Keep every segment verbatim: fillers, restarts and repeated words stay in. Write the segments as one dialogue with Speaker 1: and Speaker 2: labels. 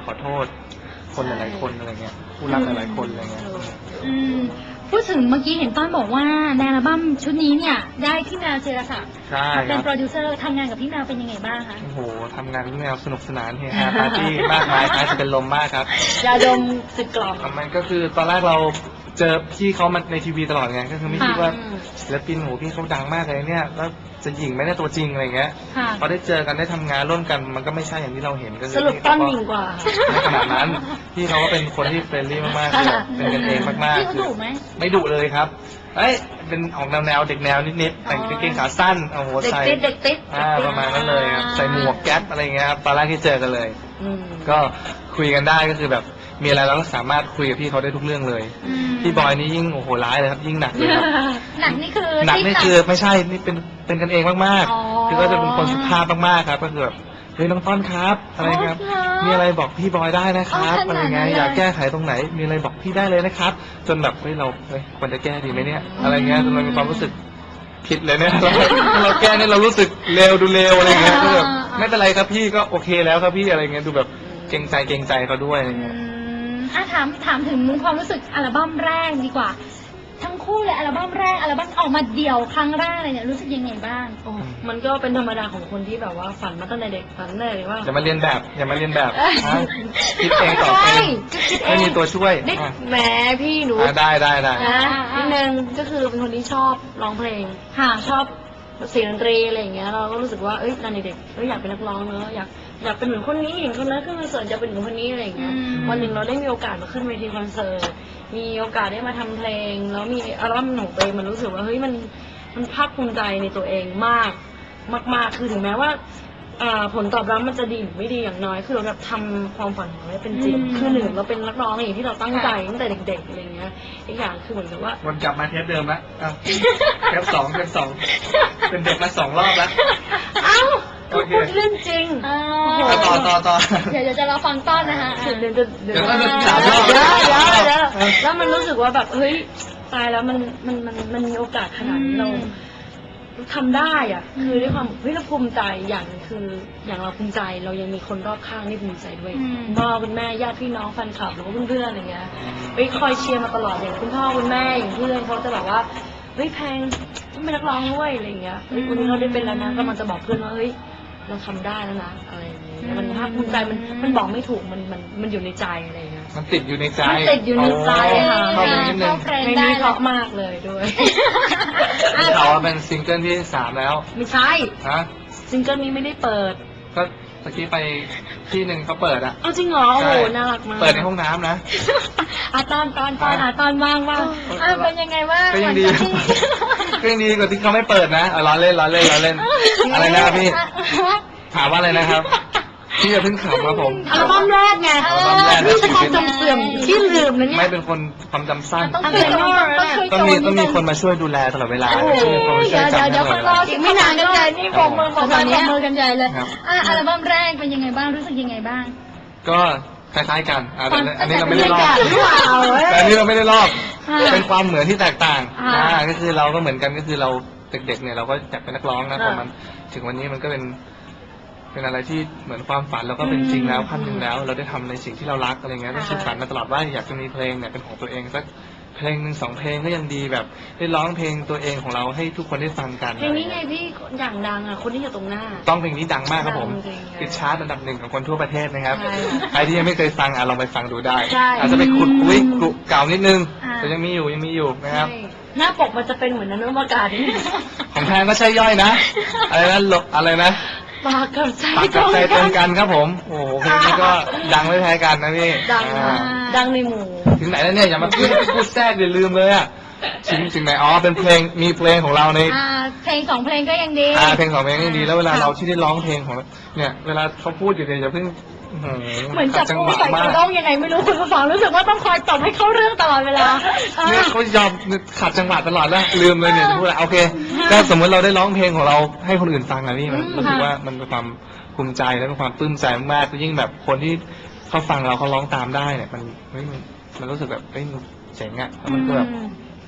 Speaker 1: ขอโทษคนหลายๆคนอะไรเงี้ยผู้รักหลายๆคนอะไรเงี้ย
Speaker 2: อืมพูดถึงเมื่อกี้เห็นต้นบอกว่าในอัลบั้มชุดนี้เนี่ยได้พี่แมวเจรศักดิ์เป็นโปรดิวเซอร์ทำงานกับพี่แมวเป็นยังไงบ้างคะ
Speaker 1: โอ้โหทำงานพี่แมวสนุกสนานเฮฮาปาร์ตี้มากมายคล้ายจะเป็นลมมากครับ
Speaker 2: ยาดมสิบกล่อง
Speaker 1: มันก็คือตอนแรกเราเจอพี่เขามาในทีวีตลอดไงก็คือไม่คิดว่าศิลปินโหพี่เขาดังมากเลยเนี่ยแล้วจะหญิงไหมเนี่ยตัวจริงอะไรเงี้ยพอได้เจอกันได้ทำงานร่วมกันมันก็ไม่ใช่อย่างที่เราเห็นก็คือ
Speaker 2: สรุปต้นหญิงกว่า
Speaker 1: ไม่ขนาดนั้นพี่เขาก็เป็นคนที่เฟรนลี่มากๆเป็นกันเองมากๆ
Speaker 2: พี่เขาดุไหม
Speaker 1: ไม่ดุเลยครับเอ้ยเป็นออกแนวแนวเด็กแนวนิดๆแต่งกางเกงขาสั้นโอ้โหใส่
Speaker 2: เด็กติดเด็กติด
Speaker 1: อ่าประมาณนั้นเลยใส่หมวกแก๊ปอะไรเงี้ยครับตอนแรกที่เจอกันเลยก็คุยกันได้ก็คือแบบมีอะไรเราก็สามารถคุยกับพี่เขาได้ทุกเรื่องเลยพี่บอยนี่ยิ่งโอ้โหร้ายเลยครับยิ่งหนักเลยครับ
Speaker 2: หนักนี่คือ
Speaker 1: หนักนี่คือไม่ใช่นี่เป็นเป็นกันเองมากๆคือก็จะเป็นคนสุภาพมากๆครับก็คือแบบเฮ้ยน้องต้นครับอะไรครับมีอะไรบอกพี่บอยได้นะครับอะไรเงี้ยอยากแก้ไขตรงไหนมีอะไรบอกพี่ได้เลยนะครับจนแบบเฮ้ยเราเฮ้ยควรจะแก้ดีไหมเนี่ยอะไรเงี้ยจนเรามีความรู้สึกผิดเลยเนี่ยเราแก้เนี่ยเรารู้สึกเลวดูเลวอะไรเงี้ยก็แบบไม่เป็นไรครับพี่ก็โอเคแล้วครับพี่อะไรเงี้ยดูแบบเกรงใจเกรงใจเขาด้วยอะไรเงี้ย
Speaker 2: อ่ะถามถามถึงความรู้สึกอัลบั้มแรกดีกว่าทั้งคู่เลยอัลบั้มแรกอัลบั้มออกมาเดี่ยวครั้งแรกอะไรเนี่ยรู้สึกยังไงบ้าง
Speaker 3: โอ้มันก็เป็นธรรมดาของคนที่แบบว่าฝันมาตั้งแต่เด็กฝันเลยว่า
Speaker 1: อย่ามาเรียนแบบอย่ามาเรียนแบบคิดเองต่อเองไม่มีตัวช่วย
Speaker 3: แหมพี่หนู
Speaker 1: ได้ได้ได้
Speaker 3: นิดนึงก็คือเป็นคนที่ชอบร้องเพลงค่ะชอบเสียงดนตรีอะไรอย่างเงี้ยเราก็รู้สึกว่าเอ้ยตอนเด็กๆเราอยากเป็นนักร้องเนอะอยากอยากเป็นเหมือนคนนี้เห็นคนนั้นขึ้นคอนเสิร์ตจะเป็นเหมือนคนนี้อะไรอย่างเงี้ยวันหนึ่งเราได้มีโอกาสมาขึ้นเวทีคอนเสิร์ตมีโอกาสได้มาทำเพลงแล้วมีอัลบั้มของตัวเองมันรู้สึกว่าเฮ้ยมันมันภาคภูมิใจในตัวเองมากมากๆคือถึงแม้ว่าผลตอบรับมันจะดีหรือไม่ดีอย่างน้อยคือเราแบบทำความฝันของเราเป็นจริงคือหนึ่งเราเป็นนักร้องอย่างที่เราตั้งใจตั้งแต่เด็กๆอะไรเงี้ยอีกอย่างคือเหมือนกับว่า
Speaker 1: วนกลับมาเทปเดิมละเทปสองเทปสองเป็นเด็กมาสองรอบแล้ว
Speaker 3: เอ้าพูดเรื่องจริง
Speaker 1: ต่อต่อต่อ
Speaker 2: เดี๋ยวจะรอฟังต้นนะคะ
Speaker 3: เดี๋ยวเดี๋ยวเดี๋ยวเดี๋ยวเดี๋ยวแล้วมันรู้สึกว่าแบบเฮ้ยตายแล้วมันมันมันมันมีโอกาสขนาดนี้เราทำได้อ่ะคือด้วยความเฮ้ยเราภูมิใจอย่างคืออย่างเราภูมิใจเรายังมีคนรอบข้างที่ภูมิใจด้วยพ่อคุณแม่ญาติพี่น้องแฟนคลับหรือว่าเพื่อนๆอะไรเงี้ยไปคอยเชียร์มาตลอดอย่างคุณพ่อคุณแม่อย่างเพื่อนเขาจะแบบว่าเฮ้ยแพงต้องเป็นนักร้องด้วยอะไรเงี้ยเฮ้ยวันนี้เราได้เป็นแล้วนะก็มันจะบอกเพื่อนว่าเฮ้ยเราทำได้แล้วนะอะไรอย่างเงี้ยมันภาคภูมิใจมันมันบอกไม่ถูกมันมันมันอยู่ในใจอะไรเงี้ย
Speaker 1: มันติดอยู่ในใจ
Speaker 3: มันติดอยู่ในใจค่ะ
Speaker 1: เข้าไปนิดนึง
Speaker 3: ไม่ได้เพราะมากเลยด้วย
Speaker 1: เขาเป็นซิงเกิลที่สามแล้ว
Speaker 3: ไม่ใช่
Speaker 1: ฮะ
Speaker 3: ซิงเกิลนี้ไม่ได้เปิด
Speaker 1: ก็เมื่อกี้ไปที่หนึ่งเขาเปิดอะ
Speaker 3: เอาจริงเหรอโอ้โหน่ารักมาก
Speaker 1: เปิดในห้องน้ำนะ
Speaker 2: อ่ะตอนตอนตอนอ่ะตอนว่างว่างอ่ะเป็นยังไงว่าง
Speaker 1: ก็ยังดีก็ยังดีกว่าที่เขาไม่เปิดนะล้อเล่นล้อเล่นล้อเล่นอะไรนะครับพี่ถามว่าอะไรนะครับพี่จะเพิ่งขำครับผม
Speaker 3: อัลบั้มแรกไงพี่จะความจำเสื่อมที่ลืมนะเนี่ย
Speaker 1: ไม่เป็นคนความจำสั้น
Speaker 2: ต้อง
Speaker 1: มีต้องมีคนมาช่วยดูแลตลอดเวลา
Speaker 2: เดี๋ยวเดี๋ยวเดี๋ยวรออีกไม่นานกันเลยนี่ผมมือผมมือมือกันใหญ่เลยอ่ะอัลบั้มแรกเป็นยังไงบ้างรู้สึกยังไงบ้าง
Speaker 1: ก็คล้ายๆกันอันนี้เราไม่ได้ลอกแต่อันนี้เราไม่ได้ลอกเป็นความเหมือนที่แตกต่างอ่าก็คือเราก็เหมือนกันก็คือเราเด็กๆเนี่ยเราก็อยากเป็นนักร้องนะพอมันถึงวันนี้มันก็เป็นเป็นอะไรที่เหมือนความฝันเราก็เป็นจริงแล้วขั้นหนึ่งแล้วเราได้ทำในสิ่งที่เรารักอะไรเงี้ยก็คิดฝันมาตลอดว่าอยากจะมีเพลงเนี่ยเป็นของตัวเองสักเพลงหนึ่งสองเพลงก็ยังดีแบบได้ร้องเพลงตัวเองของเราให้ทุกคนได้ฟังกัน
Speaker 3: เพลงนี้ไงพี่อย่างดังอ่ะคนที่อยู่ตรงหน้า
Speaker 1: ต้องเพลงนี้ดังมากครับผมติดชาร์ตอันดับหนึ่งของคนทั่วประเทศนะครับใครที่ยังไม่เคยฟังอ่ะลองไปฟังดูได้อาจจะไปขุดคุยเก่านิดนึงแต่ยังมีอยู่ยังมีอยู่นะครับ
Speaker 3: หน้าปกมันจะเป็นเหมือนนั้นอวกาศ
Speaker 1: ของแทนก็ใช่ย่อยนะอะไรนะหลบอะไรนะ
Speaker 3: ปากกับใจ
Speaker 1: ปากกับใจตรงกันครับผมโอ้โหเพลงนี้ก็ดังไม่แพ้กันนะพี่
Speaker 3: ดังดังในหมู่
Speaker 1: ถึงไหนแล้วเนี่ยอย่ามาพูดพูดแทรกอย่าลืมเลยอ่ะถึงถึงไหนอ๋อเป็นเพลงมีเพลงของเราใน
Speaker 2: เพลงสองเพลงก็ยังดี
Speaker 1: อ่าเพลงสองเพลงยังดีแล้วเวลาเราที่ได้ร้องเพลงของเนี่ยเวลาเขาพูดอยู่เนี่ยอย่าเพิ่ง
Speaker 2: เหมือนจับผู้ใส่กระด้งยังไงไม่รู้คุณผู้ฟังรู้สึกว่าต้องคอยตบให้เข้าเรื่องตลอดเวลา
Speaker 1: เนี่ยเขายอมขัดจังหวะตลอดแล้วลืมเลยเนี่ยพูดอะไรโอเคก็สมมติเราได้ร้องเพลงของเราให้คนอื่นฟังอะนี่มันรู้สึกว่ามันเป็นความภูมิใจและเป็นความปลื้มใจมากๆยิ่งแบบคนที่เขาฟังเราเขาร้องตามได้เนี่ยมันเฮ้ยมันรู้สึกแบบเฮ้ยเจ๋งอะแล้วมันก็แบบ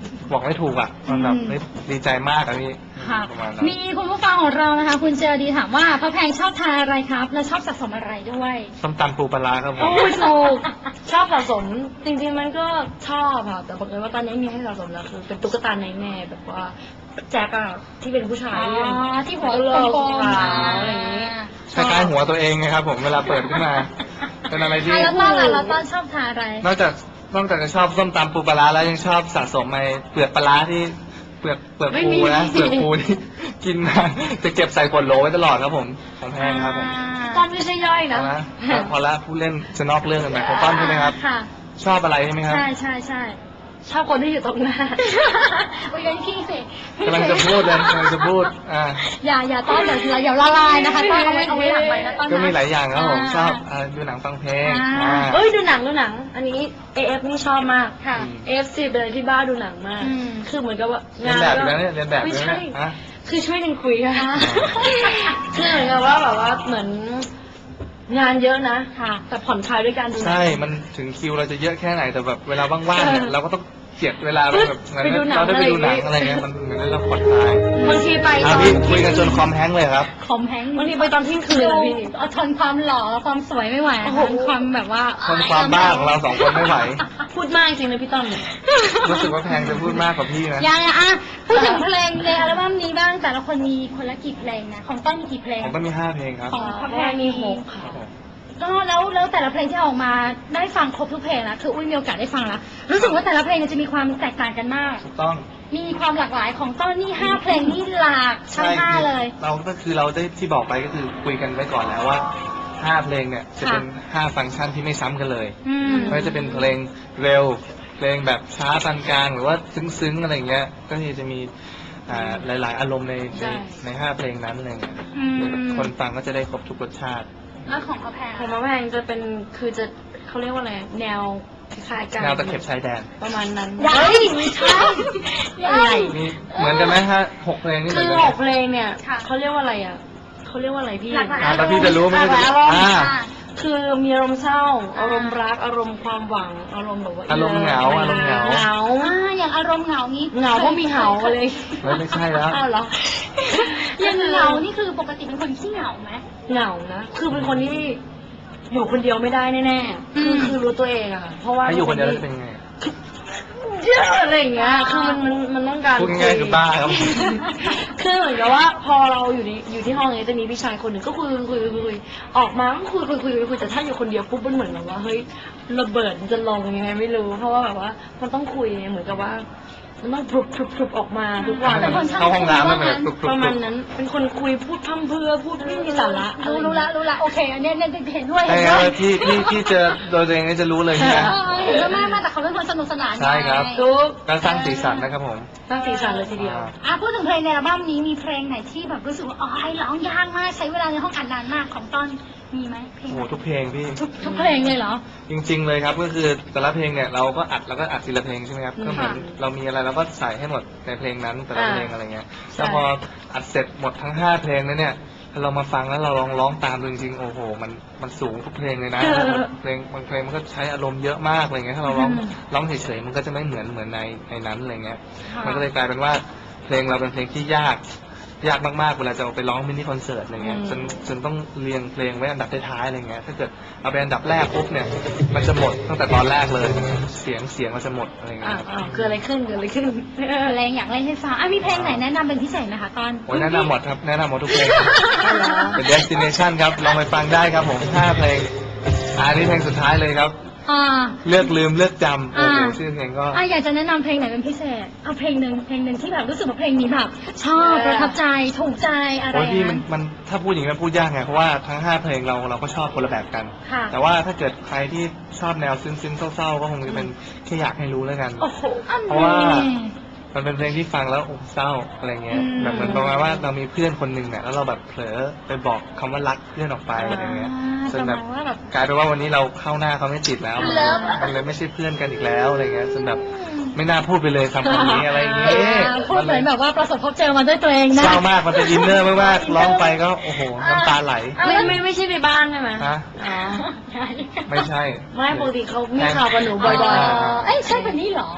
Speaker 1: บอกไม่ถูกอ่ะมันแบบเฮ้ยดีใจมากอะพี่
Speaker 2: ค่ะ
Speaker 1: ประมาณนั้น
Speaker 2: มีคุณผู้ฟังของเรานะคะ คุณเจอดีถามว่าพระแพงชอบทานอะไรครับ และชอบสะสมอะไรด้วย
Speaker 1: ส้มตำปูปลาร้าครับผม
Speaker 3: โอ้ยถูกชอบสะสมจริงๆมันก็ชอบค่ะแต่บังเอิญว่าตอนนี้มีให้สะสมแล้วคือเป็นตุ๊กตาในแม่แบบว่าแจ็คอะที่เป็นผู้ชาย
Speaker 2: อ๋อที่หัว
Speaker 3: โล
Speaker 2: กลมๆ
Speaker 3: ขาวอะไรอย่างนี้
Speaker 1: คล้ายๆหัวตัวเองไงครับผมเวลาเปิดขึ้นมา เป็นอะไรที่
Speaker 2: อ่ะแล้วต้อนล่ะแล้วต้อนชอบทานอะไร
Speaker 1: นอกจากนอกจากจะชอบส้มตำปูปลาร้าแล้วยังชอบสะสมไอ้เปลือกปลาร้าที่เปลือกเปลือกปูนะเปลือกปูที่ กินมาจะเก็บใส่ขวดโหลไว้ตลอดครับผมของแพงครับผม
Speaker 3: ตอนไม่ใช่ย่อยนะ
Speaker 1: เอาละพอละผู้เล่นจะนอกเรื่องกันไปของต้นใช่ไหมครับ
Speaker 2: ค่ะ
Speaker 1: ชอบอะไรใช่ไหมครับ
Speaker 2: ใช่ใช่ใช่
Speaker 3: ชอบคนที่อยู่ตรงหน้า
Speaker 2: โอ้ยงั้นพี่สิ
Speaker 1: กำลังจะพูดเลยกำลังจะพูดอ่า
Speaker 2: อย่าอย่าต้อนเดี๋ยวเราอย่าละลายนะคะต้อนเอาไว้เอาไว้หลังไปนะต้อนนะ
Speaker 1: ก็มีหลายอย่างครับผม
Speaker 2: อ่า
Speaker 1: ชอบอ่าดูหนังฟังเพลง
Speaker 2: อ่า
Speaker 1: อ่า
Speaker 3: เอ้ยดูหนังดูหนัง อันนี้ เอ เอฟ นี่ชอบมาก
Speaker 2: ค่ะ
Speaker 3: เอ เอฟ ซี เป็นอะไรที่บ้าดูหนังมาก
Speaker 2: อืม
Speaker 3: คือเหมือนกับว่า
Speaker 1: เรียน
Speaker 3: งาน
Speaker 1: แบบอยู่
Speaker 3: ก็
Speaker 1: แล้วเนี่ยเรียนแบบอ
Speaker 3: ไม่
Speaker 1: ยู่แล้ว
Speaker 3: ใช่
Speaker 1: เนี่ยฮะ
Speaker 3: คือช่วยกันคุยค่ะคือเหมือนกับว่าแบบว่าเหมือนงานเยอะนะ
Speaker 2: ค่ะ
Speaker 3: แต่ผ่อนคลายด้วยการดูหนัง
Speaker 1: ใช่ มันถึงคิวเราจะเยอะแค่ไหนแต่แบบเวลาว่างๆเนี่ยเราก็ต้องเจียดเวลาแบบงั้น
Speaker 3: ไปดูหนัง
Speaker 1: เราได้ไปดูหนัง
Speaker 3: อะ
Speaker 1: อะไร ไร
Speaker 3: อย่างเงี้
Speaker 1: เงี้
Speaker 3: ย
Speaker 1: ยมันเหมือนเราผ่อนคลาย
Speaker 3: บางทีไปต
Speaker 1: อ่ะ
Speaker 3: อน
Speaker 1: พี่คุยกันจนคอมแห้งเลยครับ
Speaker 2: คอมแห้ง
Speaker 3: บางทีไปตอนเที่ยงคืนอะพี่
Speaker 2: เอาทนความหล่อความสวยไม่ไหว
Speaker 3: โอ้โห
Speaker 2: ทนความแบบว่า
Speaker 1: ทนความบ้าของเราสองคนไม่ไหว
Speaker 3: พูดมากจริงนะพี่ต้อม
Speaker 1: รู้สึกว่าแพงจะพูดมากกว่าพี่นะ
Speaker 2: ยังไงอ่ะพูดถึงเพลงในอัลบั้มนี้บ้างแต่ละคนมีคนละกี่เพลงนะของต้นมีกี่เพลง
Speaker 1: ผมก็มีห้าเพลงครับ
Speaker 2: ของพระแพ
Speaker 3: แม่
Speaker 2: ง
Speaker 3: มี
Speaker 2: มี
Speaker 3: ห
Speaker 2: ห
Speaker 3: ก
Speaker 2: ก
Speaker 3: ค่ะ
Speaker 2: ก็แล้วแล้วแต่ละเพลงที่ออกมาได้ฟังครบทุกเพลงแล้วคืออุ้ยมีโอกาสได้ฟังแล้วรู้สึกว่าแต่ละเพลงเนี่ยจะมีความแตกต่างกันมาก
Speaker 1: ถูกต้อง
Speaker 2: มีความหลากหลายของต้นนี่ห้าเพลงนี่หลากทั้งห้า
Speaker 1: คือ
Speaker 2: เลย
Speaker 1: เราก็คือเราได้ที่บอกไปก็คือคุยกันไว้ก่อนแล้วว่าห้าเพลงเนี่ยจะเป็นห้าฟังก์ชันที่ไม่ซ้ำกันเลย
Speaker 2: อืม
Speaker 1: ไม่ว่าจะเป็นเพลงเร็ว เพลงแบบช้าปานกลางหรือว่าซึ้งๆอะไรอย่างเงี้ย ก็คือจะมีอ่าหลาย ๆ อารมณ์ใน
Speaker 3: ใช่
Speaker 1: ในในห้าเพลงนั้นอะไรเงี้ย
Speaker 2: อืม
Speaker 1: คนฟังก็จะได้ครบทุกรสชาติ
Speaker 2: แล้วของพระแพง
Speaker 3: ของมะแพงจะเป็นคือจะเขาเรียกว่าอะไรแนวคล้ายๆกัน
Speaker 1: แนวตะเข็บชายแดน
Speaker 3: ประมาณนั้น
Speaker 2: ยัง
Speaker 3: เฮ้ยไม่ใช่
Speaker 2: ยัง
Speaker 3: อะไร
Speaker 1: มีเหมือนกันไหมฮะหกเพลงนี่เห
Speaker 3: คื
Speaker 1: มือน
Speaker 3: อ
Speaker 1: กัน
Speaker 3: ห
Speaker 1: ไหม
Speaker 3: กเพลงเนี่ย
Speaker 2: ค่ะ
Speaker 3: เขาเรียกว่าอะไรอ่ะเขาเรียกว่าอะไรพี่
Speaker 2: หลากหลาย
Speaker 1: อ่าแล้วพี่จะรู้ไหม
Speaker 3: หลากหลายอารมณ์
Speaker 1: อ่า
Speaker 3: คือมีอารมณ์เศร้า อารมณ์รักอารมณ์ความหวังอารมณ์แบบว่า
Speaker 1: อารมณ์เหงาอารมณ์เหงา
Speaker 3: เหงา
Speaker 2: อ่าอย่างอารมณ์เหงานี้
Speaker 3: เหงาเพราะมีเหงาเลย
Speaker 1: เฮ้ยไม่ใช่แล้ว
Speaker 3: อ้าวเหรอ
Speaker 2: อย่างเหงานี่คือปกติเป็นคนขี้เหงาไหม
Speaker 3: เหงานะคือเป็นคนที่อยู่คนเดียวไม่ได้แน่ๆคือ
Speaker 2: อืม
Speaker 3: คือรู้ตัวเองอะค่ะเพราะว่า
Speaker 1: ถ้าอยู่คนเดียวแล้วจะเป็นไง
Speaker 3: เยอะอะไรอย่างเงี้ยคือมันมันมันต้องการ
Speaker 1: พูดง่ายๆคือบ้าครับ
Speaker 3: คือเหมือนกับว่าพอเราอยู่ในอยู่ที่ห้องเนี้ยจะมีพี่ชายคนหนึ่งก็คุยคุยคุยคุยออกมาก็คุยคุยคุยคุยแต่ถ้าอยู่คนเดียวปุ๊บมันเหมือนแบบว่าเฮ้ยระเบิดมันจะลงยังไงไม่รู้ เพราะว่าแบบว่ามันต้องคุยเหมือนกับว่า มันต้องพรุบพรุบพรุบออกมาทุกวัน
Speaker 2: เป็นคนช่าง
Speaker 1: เข้าห้องน้ำแล้วมัน
Speaker 2: คุยว่างั้น
Speaker 1: ปลุกปลุก
Speaker 3: ประ
Speaker 1: ป
Speaker 3: มา
Speaker 1: ลุ
Speaker 3: ณ
Speaker 1: ก
Speaker 3: นั้นเป็นคนคุยพูดพร่ำเพรื่อพูดไม่มีสาระอะไร
Speaker 2: รู้รู้ละรู้ละโอเคอันเนี้ยเนี่ยเห็นด้วย
Speaker 1: ใช่
Speaker 2: เห็น
Speaker 1: ค
Speaker 2: ด้
Speaker 1: รับ
Speaker 2: วย
Speaker 1: ที่ที่ที่เจอโดยตัวเองนี่จะรู้เลยใช่ไหม
Speaker 2: เออเห็นด้วยมากมากแต่เขาเป็นคนสนุกสนาน
Speaker 1: ใช่ครับ
Speaker 2: ไง
Speaker 3: ทุก
Speaker 1: ก็สร้างสีสันนะครับผม
Speaker 3: ตั้งสีสันเลยทีเดียว
Speaker 2: อ่ะพูดถึงเพลงในอัลบั้มนี้มีเพลงไหนที่แบบรู้สึกว่าอ๋อร้องยากมากใช้เวลาในห้องอัดนานมากของต้นมีไหมเพลง
Speaker 1: โอ้
Speaker 2: ไห
Speaker 1: โห
Speaker 2: น
Speaker 1: ทุกเพลงพี่
Speaker 2: ทุกทุกเพลงเลยเหรอ
Speaker 1: จริง ๆ เลยครับก็คือแต่ละเพลงเนี่ยเราก็อัดแล้วก็อัดทีละเพลงใช่ไหมครับ
Speaker 3: อืม
Speaker 1: ก็เหมือนเรามีอะไรเราก็ใส่ให้หมดในเพลงนั้นแต่ละ
Speaker 3: อ่า
Speaker 1: เพลงอะไรเงี้ย
Speaker 3: ใช่
Speaker 1: แล้วพออัดเสร็จหมดทั้งห้าเพลงแล้วเนี่ยถ้าเรามาฟังแล้วเราลองร้องตามดูจริงๆโอ้โหมันมันสูงทุกเพลงเลยนะเพลงบางเพลงมันก็ใช้อารมณ์เยอะมากอะไรเงี้ยถ้าเราร้องร้องเฉยๆมันก็จะไม่เหมือนเหมือนในในนั้นอะไรเงี้ย มันก็เลยกลายเป็นว่าเพลงเราเป็นเพลงที่ยากยากมากๆเวลาจะเอาไปร้องมินิคอนเสิร์ตอะไรเงี้ย
Speaker 3: อืม
Speaker 1: จนจนต้องเรียงเพลงไว้อันดับท้ายๆอะไรเงี้ยถ้าเกิดเอาไปอันดับแรกปุ๊บเนี่ยมันจะหมดตั้งแต่ตอนแรกเลยเสียงเสียงมันจะหมดอะไรเงี้
Speaker 3: อ่ะ
Speaker 1: ยครับ
Speaker 3: อ่ะเกิดอะไรขึ้นเกิดอะไรขึ้น
Speaker 2: เพลงอยากเล่นให้ฟังอ่ะมีเพลงไหนแนะนำเป็นพิเศษไหมคะตอน
Speaker 1: โอ้ยแนะนำหมดครับแนะนำหมดทุกเพลง
Speaker 3: อ๋อเหรอ
Speaker 1: เป็น destination ครับลองไปฟังได้ครับผมห้าเพลงอ่านี่เพลงสุดท้ายเลยครับ
Speaker 2: อ่า
Speaker 1: เลือกลืมเลือกจำโอ้โห
Speaker 2: อ่า
Speaker 1: ชื่อเพลงก็
Speaker 2: อ่ะอยากจะแนะนำเพลงไหนเป็นพิเศษเอาเพลงหนึ่งเพลงหนึ่งที่แบบรู้สึกว่าเพลงนี้แบบชอบประทับใจถูกใจอะไร
Speaker 1: โอ้ยพี่มัน
Speaker 2: นะ
Speaker 1: มันถ้าพูดอย่างนี้มันพูดยากไงเพราะว่าทั้งห้าเพลงเราเราก็ชอบคนละแบบกัน
Speaker 2: ค่ะ
Speaker 1: แต่ว่าถ้าเกิดใครที่ชอบแนวซึ้งๆเศร้าๆก็คงจะเป็นแค่อยากให้รู้แล้วกัน
Speaker 3: โอ้โห
Speaker 1: เพราะว่า มันเป็นเพลงที่ฟังแล้วโอ้เศร้าอะไรเงี้ย
Speaker 2: อืม
Speaker 1: แบบเหมันประมาณว่าเรามีเพื่อนคนหนึ่งเนี่ยแล้วเราแบบเผลอไปบอกคำว่ารักเพื่อนออกไปอะไรเงี้ยจนแบบ
Speaker 2: ประมาณว่าแบบ
Speaker 1: กลายเป็นว่าวันนี้เราเข้าหน้าเขาไม่ติดแล้ว
Speaker 2: เลิฟ
Speaker 1: มันเลยไม่ใช่เพื่อนกันอีกแล้วอะไรเงี้ยจนแบบไม่น่าพูดไปเลยคำคำนี้อะไรอย่างเงี้ย
Speaker 2: พูดเหมือนแบบว่าประสบพบเจอมาด้วยตัวเองนะ
Speaker 1: เศร้ามากมันเป็นอินเนอร์มากๆร้องไปก็โอ้โหน้ำตาไหล
Speaker 3: ไม่ไม่ไม่ใช่ไปบ้านใช่ไหม
Speaker 1: ฮะ
Speaker 3: อ๋อ
Speaker 1: ไม่ใช่
Speaker 3: ไม่ปกติเขามีข่าวกับหนูบ่อย
Speaker 2: อ๋
Speaker 3: ๆ
Speaker 2: อเอ้ยใช่คนนี้เหรอ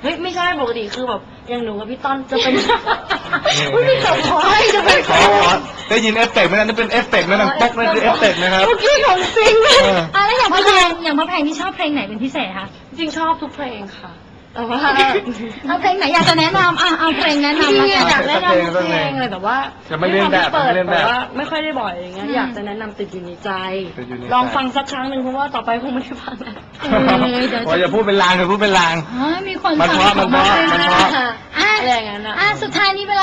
Speaker 3: เฮ้ยไม่ใช่ปกติคือแบบอย่างหนูกับพี่ต้นจะเป็นอุ้ยพี่กับพลอยจะเป็น
Speaker 1: ขอขอได้ยินเอฟเฟกต์ไหมนั่นเป็นเอฟเฟกต์นะนั่นป๊อกนั่นคือเอฟเฟกต์นะครับ
Speaker 3: เมื่อกี้ของจริง
Speaker 1: เออ
Speaker 2: อ่ะแล้วอย่างพระแพงอย่างพระแพงที่ชอบเพลงไหนเป็นพิเศษคะ
Speaker 3: จริงชอบทุกเพลงค่ะแต่ว่า
Speaker 2: เอาเพลงไหนอยากจะแนะนำอ่ะเอาเพลงแนะ
Speaker 3: จริง
Speaker 2: นำ
Speaker 3: ๆ
Speaker 2: แล้ว
Speaker 3: อยา
Speaker 2: กั
Speaker 3: ก
Speaker 2: น
Speaker 3: แนะนำทุกเพลงเลยแต่ว่า
Speaker 1: จะไม่เล่นแบบ
Speaker 3: เปิด
Speaker 1: ไม่เล่นแบบ
Speaker 3: แต่ว่าไม่ค่อยได้บ่อยอย่างเงี้ย
Speaker 2: อืม
Speaker 3: อยากจะแนะนำติดอยู่ในใจ
Speaker 1: ติดอยู่ในใจ
Speaker 3: ลองฟังสักครั้งหนึ่งเพราะว่าต่อไปคงไม่ได้ฟังแล้ว
Speaker 2: เออเดี๋ยว
Speaker 1: โอ้ยอย่าพูดเป็นลางอย่าพูดเป็นลาง
Speaker 2: อ๋อมีคน
Speaker 1: มันเพราะ
Speaker 2: ฟัง
Speaker 1: มันเพราะ
Speaker 2: ของ
Speaker 1: มันเพราะ
Speaker 2: อ่ะ
Speaker 3: อะไรอย่างนั้นอะ
Speaker 2: อ่ะสุดท้ายนี้เวลา